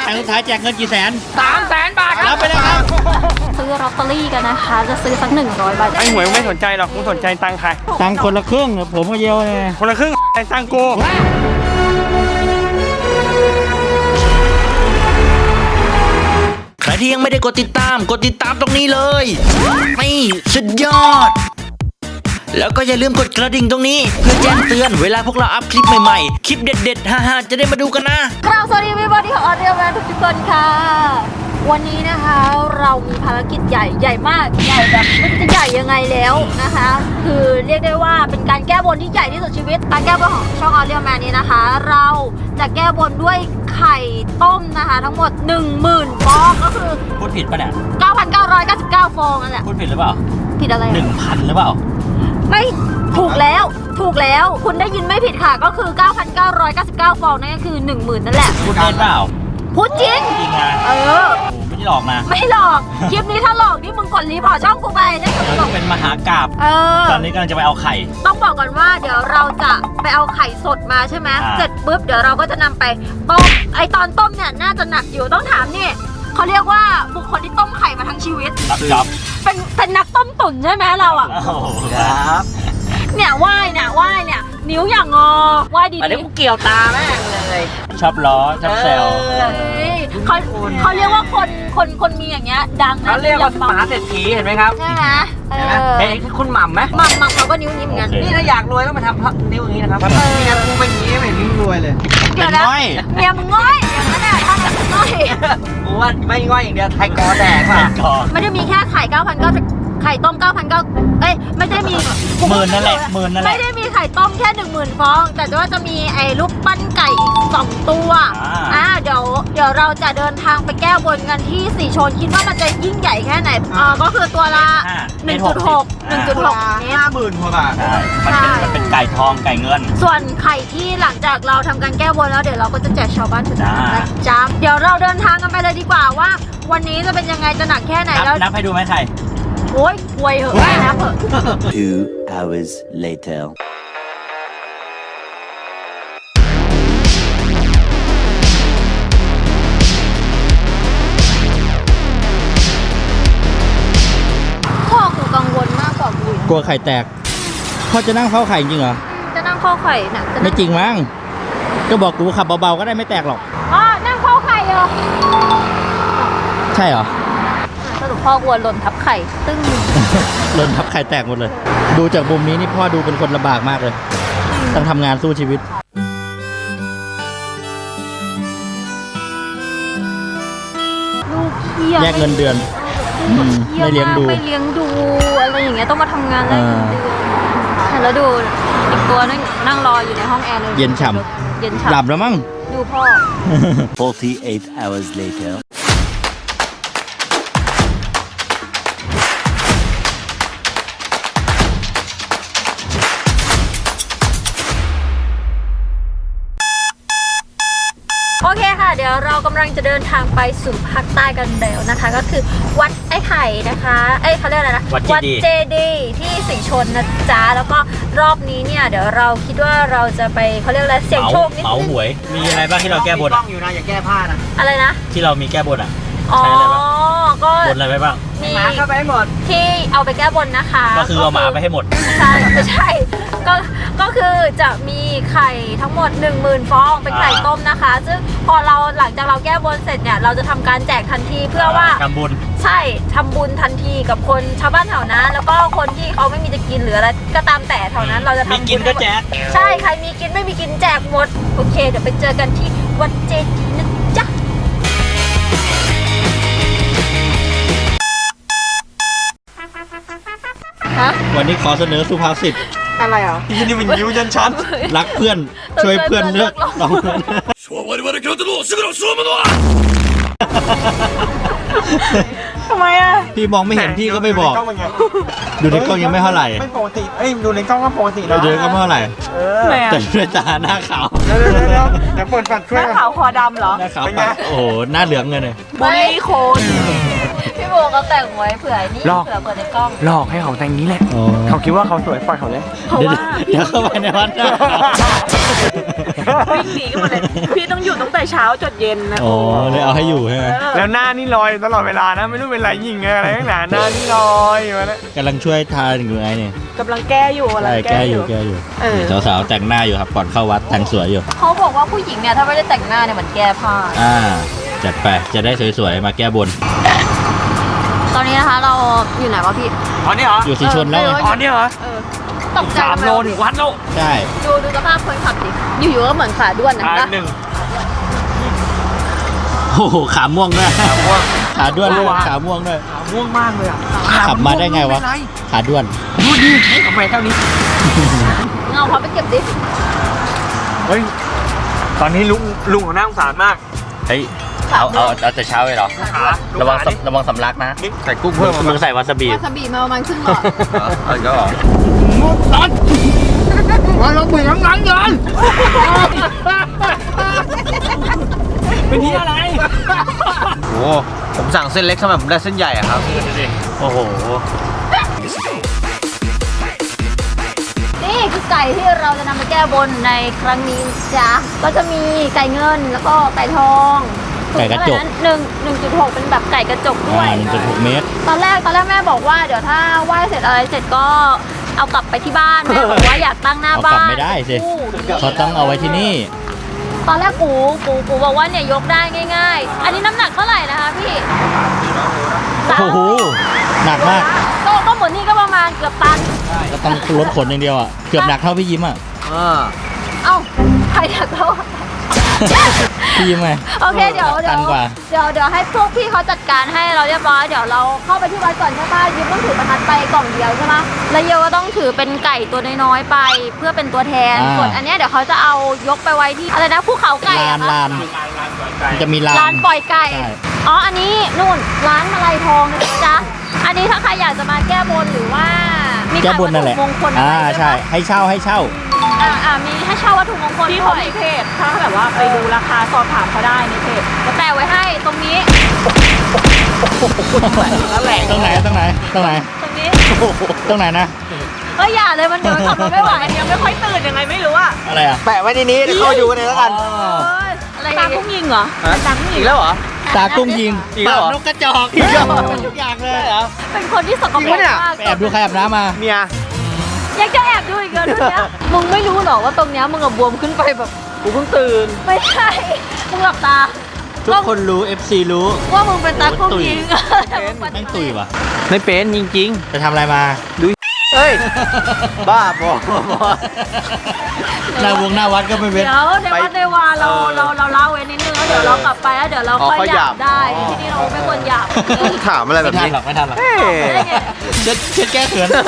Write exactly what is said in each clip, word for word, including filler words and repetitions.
งสุดท้ายแจกเงินกี่แสนสามแสนบาทครับรับไปเลยครับซื้อลอตเตอรี่กันนะคะจะซื้อสักหนึ่งร้อยใบไอ้หวยไม่สนใจหรอกกูสนใจตังค์ใครตังค์คนละครึ่งผมก็เยียวไงคนละครึ่งไอ้ตังค์กูใครที่ยังไม่ได้กดติดตามกดติดตามตรงนี้เลยนี่สุดยอด แล้วก็อย่าลืมกดกระดิ่งตรงนี้เพื่อแจ้งเตือนเวลาพวกเราอัพคลิปใหม่ๆคลิปเด็ดๆฮ่าๆจะได้มาดูกันนะครับสวัสดีพี่บอดี้ของออเดียแมนทุกคนค่ะวันนี้นะคะเรามีภารกิจใหญ่ใหญ่มากใหญ่แบบไม่รู้จะใหญ่ยังไงแล้วนะคะ คือเรียกได้ว่าเป็นการแก้บนที่ใหญ่ที่สุดชีวิตการแก้บนของช่องออเดียแมนนี้นะคะเราจะแก้บนด้วยไข่ต้มนะคะทั้งหมด หนึ่งหมื่น ฟองก็คือพูดผิดปะเนี่ยเก้าพันเก้าร้อยเก้าสิบเก้า ฟองนั่นแหละพูดผิดหรือเปล่าผิดอะไรหนึ่งพันหรือเปล่าไม่ถูกแล้วถูกแล้วคุณได้ยินไม่ผิดค่ะก็คือ เก้าพันเก้าร้อยเก้าสิบเก้า ฟองนั่นก็คือ หนึ่งหมื่น นั่นแหละพูดเล่นเปล่าพูดจริงจริงนะเออโอ้ไม่ได้หลอกนะไม่หลอก คลิปนี้ถ้าหลอกนี่มึงกดรีพอร์ตช่องกูไปนะเราจะเป็นมหากาพย์เออตอนนี้กำลังจะไปเอาไข่ต้องบอกก่อนว่าเดี๋ยวเราจะไปเอาไข่สดมาใช่ไหมอ่าเสร็จปุ๊บเดี๋ยวเราก็จะนำไปต้มไอตอนต้มเนี่ยน่าจะหนักอยู่ต้องถามนี่เขาเรียกว่าบุคคลที่ต้มไข่มาทั้งชีวิตรับจ็อบเป็นเป็นนักต้มตุ๋นใช่ไหมเราอ่ะโอ้โหครับเนี่ยว่ายเนี่ยว่ายเนี่ยนิ้วอย่างงอว่ายดีอันนี้กูเกี่ยวตาแม่งเลยชอบล้อชอบแซวๆเขาเขาเรียกว่าคนคนคนมีอย่างเงี้ยดังนะเขาเรียกว่ามหาเศรษฐีเห็นไหมครับใช่ไหมเอเห็นไหมอเห็นคุณหม่ำไหมหมักหมักเขาก็นิ้วนี้เหมือนกันนี่ถ้าอยากรวยต้องมาทำนิ้วอย่างนี้นะครับนี่นะกูเป็นอย่างนี้ไม่นิ้วรวยเลยเดี๋ยวนะเป็นง่อยเมียมึงง่อยอย่างนั้นแหละถ้าแบบง่อยกูว่าไม่ง่อยอย่างเดียวไทยกอแดกไข่ว่ะก่อนไม่ได้มีแค่ไข่เก้าพันเก้าไข่ต้มเก้าพันเก้าเอ้ยไม่ได้มีหมื่นนั่นแหละหมื่นนั่นแหละไม่ได้มีไข่ต้มแค่หนึ่งหมื่นฟอง แต่ว่าจะมีไอ้ลูกปั้นไก่อีกสองตัวอ่าอ่าเดี๋ยวเดี๋ยวเราจะเดินทางไปแก้บนกันที่สีชนคิดว่ามันจะยิ่งใหญ่แค่ไหนอ่าก็คือตัวละ หนึ่งจุดหก หนึ่งจุดหก เมตรห้าหมื่นกว่าบาทใช่มันเป็นมันเป็นไก่ทองไก่เงินส่วนไข่ที่หลังจากเราทำการแก้บนแล้วเดี๋ยวเราก็จะแจกชาวบ้านถึงจ้านะจ๊ะเดี๋ยวเราเดินทางกันไปเลยดีกว่าว่า วันนี้จะเป็นยังไงจะหนักแค่ไหนนับแล้วนับให้ดูไหมไข่โอ๊ยควยเหอะไม่นับเหอะ Two hours later. พ่อกูกังวลมากกว่ากูอีกกลัวไข่แตกพ่อจะนั่งเฝ้าไข่จริงเหรอจะนั่งเข้าไข่น่ะจะไม่นั่งจริงมั้งก็บอกกูขับเบาๆก็ได้ไม่แตกหรอกอ๋อนั่งเข้าไข่เหรอใช่เหรอสรุปพ่อกลัวหล่นทับไข่ตึ้งหล่นทับไข่แตกหมดเลย ดูจากมุมนี้นี่พ่อดูเป็นคนลำบากมากเลย ต้องทำงานสู้ชีวิตลูกเคี้ยแยกเงินเดือน อืมไม่เลี้ยงดูไม่เลี้ยงดูอะไรอย่างเงี้ยต้องมาทำงานแลกเงินเดือนอ่าแล้วดูอีกตัวนั่งนั่งรออยู่ในห้องแอร์เลยเย็นฉ่เย็นหลัฉ่ำบแล้วมั้งดูพ่อ Forty-eight hours later. โอเคค่ะเดี๋ยวเรากำลังจะเดินทางไปสู่ภาคใต้กันแล้วนะคะ ก็คือวัดไอ้ไข่นะคะเอ้ยเขาเรียกอะไรนะวัดเจดีย์เจดีย์ที่สีชนนะจ๊ะแล้วก็รอบนี้เนี่ยเดี๋ยวเราคิดว่าเราจะไปเขาเรียกอะไรเสี่ยงโชคนิดเหมานึงหวย มีอะไรบ้างที่เราแก้บนต้อะองอยู่นะอย่าแก้ผ้านะอะไรนะที่เรามีแก้บนอะอ๋อใช้อะไรบ้างก็บนอะไรไปบ้างมีหมาเข้าไปให้หมดที่เอาไปแก้บนนะคะก็คือเอาหมาไปให้หมดใช่ไม่ใช่ก็ก็คือจะมีไข่ทั้งหมด หนึ่งหมื่น ฟองเป็นไข่อ่าต้มนะคะ ซึ่งพอเราหลังจากเราแก้บนเสร็จเนี่ยเราจะทำการแจกทันทีเพื่อว่าทำบุญใช่ทำบุญทันทีกับคนชาวบ้านแถวนั้นแล้วก็คนที่เขาไม่มีจะกินหรืออะไรก็ตามแต่แถวนั้นเราจะทำมีบุญกินก็แจกใช่ใครมีกินไม่มีกินแจกหมดโอเคเดี๋ยวไปเจอกันที่วัดเจดีย์นะจ๊ะฮะวันนี้ขอเสนอสุภาษิตอะไรอ่ะนี่มันยิ้วยันชั้นรักเพื่อน ช่วยเพื่อนเลือกลองเพื่อนทำไมอ่ะพี่มองไม่เห็นพี่ก็ไม่บอก ดูในกล้องยังไม่เท่าไหร่ไม่ปกติเอ้ยดูในกล้องก็ปกติดูนะในกล้องไม่เท่าไหร่เออแต่ด้วยตาหน้าขาวเดี๋ยวเดี๋ยวเดี๋ยวเดี๋ยวเปิดฝัดช่วยหน้าขาวคอดำเหรอหน้าขาวปากโอ้โห หน้าเหลืองเลยเนี่ยบูลลี่โคนพี่โบเขาแต่งไว้เผื่อนี่เผื่อเปิดในกล้องหลอกให้เขาแต่งนี้แหละอ๋อเขาคิดว่าเขาสวยปล่อยเขาเลยเพราะเดี๋ยวว่าเดี๋ยวเข้าไปในวัดนะวิ่งหนีกันหมดเลยพี่ต้องอยู่ตั้งแต่เช้าจนเย็นนะโอ้เลยเอาให้อยู่ใช่ไหมแล้วหน้านี่ลอยตลอดเวลานะ ไม่รู้เป็นไรยิงอะไรทั้งหนาหน้านี่ลอยมาแล้วกำลังช่วยทานอยู่ไงเนี่ยกำลังแก้อยู่กำลังใช่แก้แก้ออยู่ ยู่แก้อยู่เออสาวๆแต่งหน้าอยู่ครับก่อนเข้าวัดแต่งสวยอยู่เขาบอกว่าผู้หญิงเนี่ยถ้าไม่ได้แต่งหน้าเนี่ยเหมือนแก้ผ้าอ่าจัดไปจะได้สวยๆมาแก้บนตอนนี้นะคะเราอยู่ไหนวะพี่อ๋อนี่เหรออยู่สีชนแล้วไงอ๋อนี่เหรอเออตกใจสามทำไโลถึงวัดแล้วใช่ดูดูสภาพคนขับดิอยู่ๆก็เหมือนขาด้วนนะอ่านะหนึ่งโอ้โหขาม่วงด้วยขาม่วงขาด้วนด้วยว้าวขาม่วงด้วยขาม่วงมากเลยอ่ะขับมาได้ไงวะ ขาด้วนดูดิทำไมเท่านี้เงาเขาไปเก็บดิเฮ้ย ตอนนี้ลุงลุงของน่าสงสารมากเฮ้ยเอาเอาเอาแต่เช้าเลยเหรอขาระวังดิสำระวังสำลักนะใส่กุ้งเพิ่มมามึงใส่วาซาบิวาซาบิมาประมาณครึ่งหลอดเอาอีกแล้วเหรอว่าเราเบื่อทั้งนั้นเลยเป็นที่อะไรโอ้ผมสั่งเส้นเล็กทำไมผมได้เส้นใหญ่อะครับโอ้โหนี่คือไก่ที่เราจะนำไปแก้บนในครั้งนี้จ้ะก็จะมีไก่เงินแล้วก็ไก่ทองไก่กระจกหนึ่งหนึ่งจุดหกเป็นแบบไก่กระจกด้วอ่าย หนึ่งจุดหกเมตรตอนแรกตอนแรกแม่บอกว่าเดี๋ยวถ้าไหว้เสร็จอะไรเสร็จก็เอากลับไปที่บ้านแม่บอกว่าอยากตั้งหน้าเอากลับ้าบนไม่ได้สิอู้เขาต้องเอาไว้ที่นี่ตอนแรกกูกูกูบอกว่าเนี่ยยกได้ง่าย ๆ อันนี้น้ำหนักเท่าไหร่นะคะพี่โอ้โห หนักมากก็ก็เหมือนนี่ก็ประมาณเกือบตันก็ต้องลดขนอย่างเดียวอ่ะ เกือบหนักเท่าพี่ยิ้มอ่ะอ่าเอ้าใครอยากเท่าพี่ยิ้มไงโอเคเดี๋ยวเดี๋ตัยนวกว่าเดี๋ยวเดี๋ยวให้พวกพี่เขาจัดการให้เราเรียบร้อยเดี๋ยวเราเข้าไปที่วัดก่อนใช่ป่ะยิ้มต้องถือประทัดไปกล่องเดียวใช่ไหมแล้วเยลก็ต้องถือเป็นไก่ตัวน้อยๆไป เพื่อเป็นตัวแทนอ่าส่วนอันเนี้ยเดี๋ยวเขาจะเอายกไปไว้ที่อะไรนะภูเขาไก่ลาอะนคะลานมันจะมีลานร้านปล่อยไก่ใช่อ๋ออันนี้นู่นร้านมาลัยทองนะจ๊ะอันนี้ถ้าใครอยากจะมาแก้บนหรือว่ามีแก้ขายบวันนั่นถุแหละมงคลอ่าอะไรด้วยใช่ปะให้เช่าให้เช่าอ่าอ่ามีให้เช่าวัตถุมงคลที่ด้เขาวยมีเพจถ้าแบบว่าไปดูราคาสอบถามเขาได้ในเพจจะแปะไว้ให้ตรงนี้นั่นแหละตรงไหนตรงไหนตรงไหนตรงนี้ตรงไหนนะก็อย่าเลยมันเดี๋ยวขับรถไม่ไหวมันยังไม่ค่อยตื่นยังไงไม่รู้อะอะไรอ่ะแปะไว้ในนี้เดี๋ยวเข้าไปดูกันเลยแล้วกันเอออะไรตาอย่างพุ่งเงี้ยยิงเหรอตาพุ่งยิอีงกแล้วเหรอตากุ้งยิงอีกแล้วเหรอปากนกกระจอกอีกแล้วทุกอย่างเลยเหรอเป็นคนที่สกปรจริกงปะเนี่ยมากไปแอบดูใครอาบน้ำมาเมียยังจะแอบดูอีกเหรอเรื่องเนี้ยมึงไม่รู้หรอว่าตรงเนี้ยมึงกับบวมขึ้นไปแบบกูเพิ่งตื่นไม่ใช่มึงหลับตาทุกคนรู้ เอฟ ซี รู้ว่ามึงเป็นตากุ้งยิงแม่งตุยว่ะไม่เป็นจริงไปทำอะไรมาเฮ้ย บ้าบอหน้าวงหน้าวัดก็ไม่เว้นเดี๋ยวในวัดในวาเราเราเราเล่าไว้นิดนึงแล้วเดี๋ยวเรากลับไปแล้วเดี๋ยวเราค่อยหยาบได้ที่นี่เราไม่ควรหยาบถามอะไรแบไม่บทันนี้หรอกไม่ทันหรอกเฮ้ยได้ไงเช็ดเช็ดแก้เขิน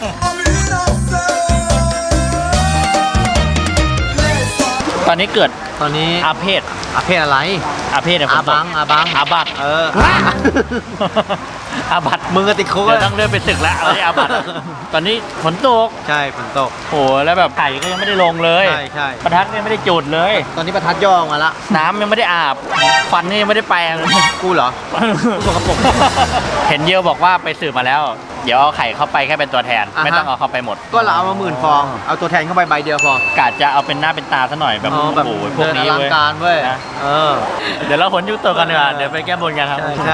ตอนนี้เกิดตอนนี้อาเพศอาเพศอะไรอาเพศเนี่ยอาบังฝนตกอาบังอาบัตเอออาบัตมึงก็ติดคุกเดี๋ยวอะต้องเลื่อนไปศึกแล้วเอาที่อาบัตตอนนี้ฝนตกใช่ฝนตกโหแล้วแบบไข่ก็ยังไม่ได้ลงเลยใช่ใช่ประทัดก็ยังไม่ได้จุดเลยตอนนี้ประทัดย่อออกมาละน้ำยังไม่ได้อาบฟันนี่ยังไม่ได้แปรงกูเหรอ สกปรกเห็นเยลบอกว่าไปสืบมาแล้ว เดี๋ยวเอาไข่เข้าไปแค่เป็นตัวแทนอ่าฮะไม่ต้องเอาเข้าไปหมดก็เราเอามาหมื่นฟอง เอาตัวแทนเข้าไปใบเดียวพอกาจะเอาเป็นหน้าเป็นตาซะหน่อยแบบอ๋อโอ้แบบโหพวกเดินอนี้ลังเว้ยการเว้ยนะเออเดี๋ยวเราขนยุคตัวกันดีกว่าเดี๋ยวไปแก้บนกันครับใช่ใช่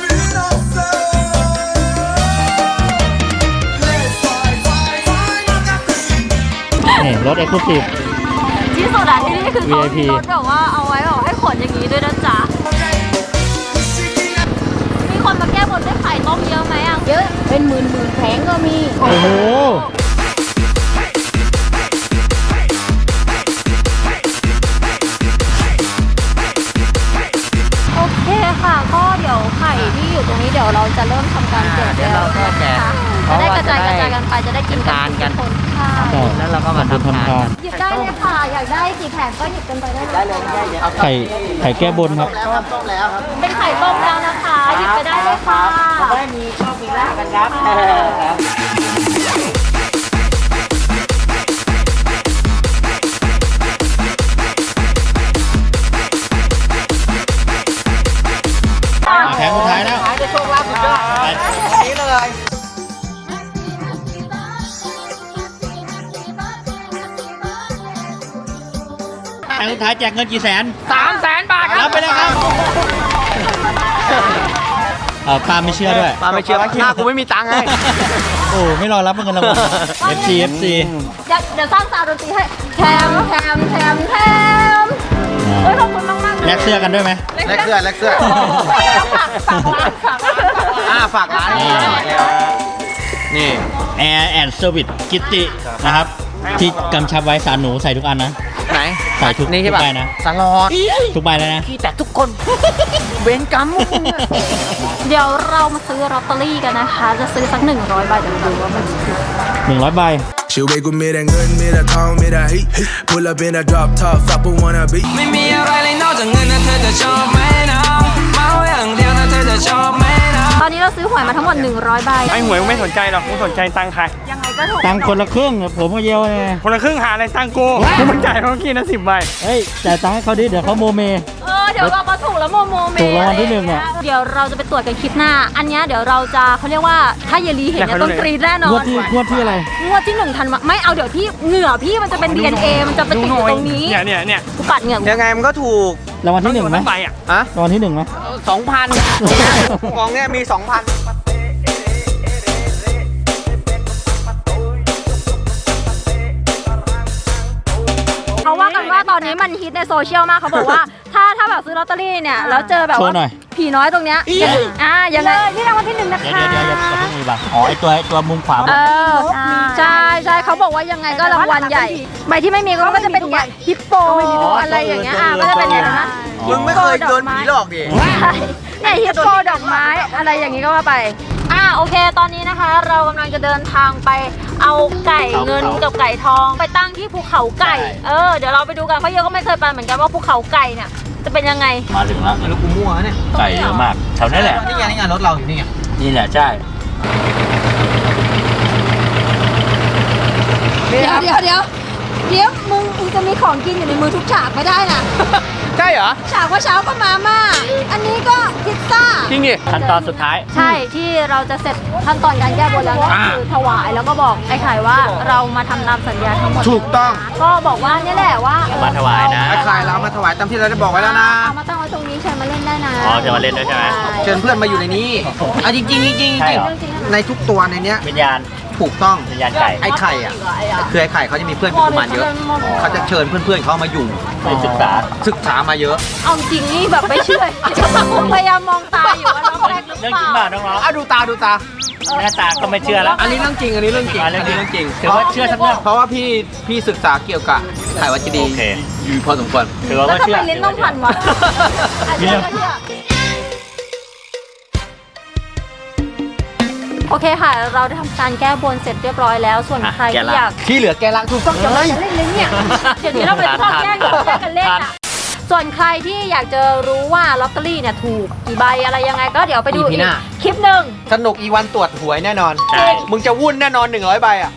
นี่รถเอ็กซ์คลูซีฟที่สุดอะที่นี่คือเขาวี ไอ พีมีรถแบบว่าเอาไว้แบบให้ขนอย่างนี้ด้วยนะจ๊ะมีคนมาแก้บนด้วยไข่ต้มเยอะไหมอะเยอะเป็นหมื่นหมื่นแผงก็มีโอ้โหโอเคค่ะก็เดี๋ยวไข่ที่อยู่ตรงนี้เดี๋ยวเราจะเริ่มทำการแจกเดี๋ยวเราก็แจกจะได้กระจายกระจายกันไปจะได้กินกันทานกันทุคนใช่ใช่แล้วเราก็มาทำทานกันหยิบได้เลยค่ะ อยากได้กี่แผงก็หยิบกันไปได้เลยไข่ไข่แก้บนครับแล้วครับต้มแล้วครับเป็นไข่ต้มแล้วนะคะหยิบไปได้เลยค่ะได้มีชอบมีลากันครับแผงสุดท้ายแล้วหายจะโชคลาภสุดยอดไปนี้เลยโงสุดท้ายแจกเงินกี่แสนสามแสนบาทครับรับไปเลยครับเออปาไม่เชื่อด้วยมาไม่เชื่อหน้ากูไม่มีตังค์ไงโอ้ไม่รอรับเงินรางวัล เอฟ ซี เอฟ ซีเดี๋ยวเดี๋ยวสร้างซาวด์ดนตรีให้แถมแถมแถมแถมเฮ้ยขอบคุณมากมากแลกเสื้อกันด้วยไหมแลกเสื้อแลกเสื้อฝากฝากร้านฝากร้านอ่าฝากร้านนี่นี่แอร์แอนด์เซอร์วิสกิตตินะครับ ที่กำชับไว้สารหนูใส่ทุกอันนะไหนใส่ทุกนี่ทุใช่กป่ะใบนะสลอดทุกใบเลยนะพี่แต่ทุกคนเวรกรรมพวกมึงอะเดี๋ยวเรามาซื้อลอตเตอรี่กันนะคะ จะซื้อสักหนึ่งร้อยใบเดี๋ยวดูว่ามันจะถูกหนึ่งร้อยใบ She wake with me that good, me that tall, me that heat. Pull up in a drop top, fuck but wanna be. ไม่มีอะไรเลยนอกจากเงินนะเธอจะชอบไหมนะเมาอย่างเดียวนะเธอจะชอบไหมนะตอนนี้เราซื้อหวยมาทั้งหมดหนึ่งร้อยใบไอ้หวยไม่สนใจหรอกกูสนใจตังค์ใครยังไงก็ถูกตังค์คนละครึ่งผมก็เยอะเลยคนละครึ่งหาอะไรตังค์กูกูมันจ่ายเขากี่นะสิบใบเฮ้ยจ่ายตังค์ให้เขาดิเดี๋ยวเขาโมเมเออเดี๋ยวเรามาถูกแล้วโมโมเมถูกรางวัลที่หนึ่งอะเดี๋ยวเราจะไปตรวจกันคลิปหน้า อันเนี้ยเดี๋ยวเราจะเขาเรียกว่าถ้าเยลีเห็นเนี่ยต้องกรีดแน่นองวดนที่งวดที่อะไรงวดที่หนึ่งทันวะไม่เอาเดี๋ยวพี่เหงื่อพี่มันจะเป็น ดี เอ็น เอ มันจะไปติดอยู่ตรงนี้เนี่ยเนี่ยเนี่ยกูปัดเหงื่อกูยังไงมันก็ถูกรางวัลที่หนึ่งไหมทั้ใบอ่ะอะรางวัลที่หนึ่งไหมสองพันกองเนี้ยมีสองพันเขาว่ากันว่าตอนนี้มันฮิตในโซเชียลมากเขาบอกว่า ถ้าถ้าแบบซื้อลอตเตอรี่เนี่ยแล้วเจอแบบโชว่าว์หน่อยผีน้อยตรงเนี้ยยังอ่ายังไงนี่รางวัลที่หนึ่งนะเดี๋ยวคะเดี๋ยวเดี๋ยวอย่าเพิ่งมีบังอ๋อไอตัวไอตัวมุมขวาเออใช่ใช่เขาบอกว่ายังไงก็รางวัลใหญ่ใบที่ไม่มีก็จะเป็นอย่างเงี้ยฮิปโปอะไรอย่างเงี้ยอ่ะก็จะเป็นอย่างนั้นนะมึงไม่เคยโดนผีหลอกดิใช่เนี่ยฮิปโปดอกไม้อะไรอย่างงี้ก็ว่าไปอ่าโอเคตอนนี้นะคะ เรากำลังจะเดินทางไปเอาไก่เงินกับไก่ทองไปตั้งที่ภูเขาไก่เออเดี๋ยวเราไปดูกันเพราะเยอะก็ไม่เคยไปเหมือนกันว่าภูเขาไก่เนี่ยจะเป็นยังไงมาถึงแล้วแล้วกูมั่วเนี่ยไก่เยอะมากแถวนี้แหละนี่ไงนี่ไงรถเราอยู่นี่ไงนี่แหละใช่เดี๋ยวเดี๋ยวเดี๋ยวเดี๋ยวมึงมึงจะมีของกินอยู่ในมือทุกฉากไม่ได้นะใช่เหรอฉากว่าเช้าก็มาม่าอันนี้ก็พิซซ่าจริงดิขั้นตอนสุดท้ายใช่ที่เราจะเสร็จขั้นตอนการแก้บนแล้วก็คือถวายแล้วก็บอกไอ้ไข่ว่าเรามาทำตามสัญญาทั้งหมดถูกต้องก็บอกว่าเนี่ยแหละว่าเออมาถวายนะไอ้ใครเรามาถวายตามที่เราได้บอกไว้แล้วนะเอามาตั้งไว้ตรงนี้เชิญมาเล่นได้นะอ๋อเชิญมาเล่นด้วยใช่ไหมเชิญเพื่อนมาอยู่ในนี้อ่ะจริงจริงๆจริงๆใช่จริงเหรอๆในทุกตัวในเนี้ยวิญญาณถูกต้องวิญญาณไก่ไอ้ไข่อ่ะคือไอ้ไข่เขาจะมีเพื่อนเป็นกุมารเยอะ เขาจะเชิญเพื่อนๆเขามาอยู่ไปศึกษาศึกษามาเยอะเอาจริงนี่แบบไม่เชื่อ พยายามมองตาอยู่ว่าน้องแรกหรือเรื่องเปจริงล่าเปล่าน้องอ่ะดูตาดูตาๆหน้าตาก็ไม่เชื่อแล้วอันนี้เรื่องจริง อันนี้เรื่องจริงอ่ะอันเรื่องจริงนี้เรื่องจริงถือว่าเชื่อสักเรื่องเพราะว่าพี่พี่ศึกษาเกี่ยวกับไข่วัจดีโอเคอยู่พอสมควรถือว่าแล้วไม่ทำเชื่อไมลิ้นต้องพันวะอ่ะเชื่อก็เชื่อโอเคค่ะ เราได้ทำการแก้บนเสร็จเรียบร้อยแล้ว ส่วนใครที่อยากที่เหลือแกล้างถูกต้องจังเลยจะเล่นเลยเนี่ยเดี๋ยวนี้เราไปชอบแย่งกันแย่งกันเล่นอ่ะ ส่วนใครที่อยากจะรู้ว่าลอตเตอรี่เนี่ยถูกกี่ใบอะไรยังไงก็เดี๋ยวไปดูอีอีพีกหน้าคลิปหนึ่งสนุกอีวันตรวจหวยแน่นอนใช่มึงจะวุ่นแน่นอนหนึ่งร้อยใบอ่ะ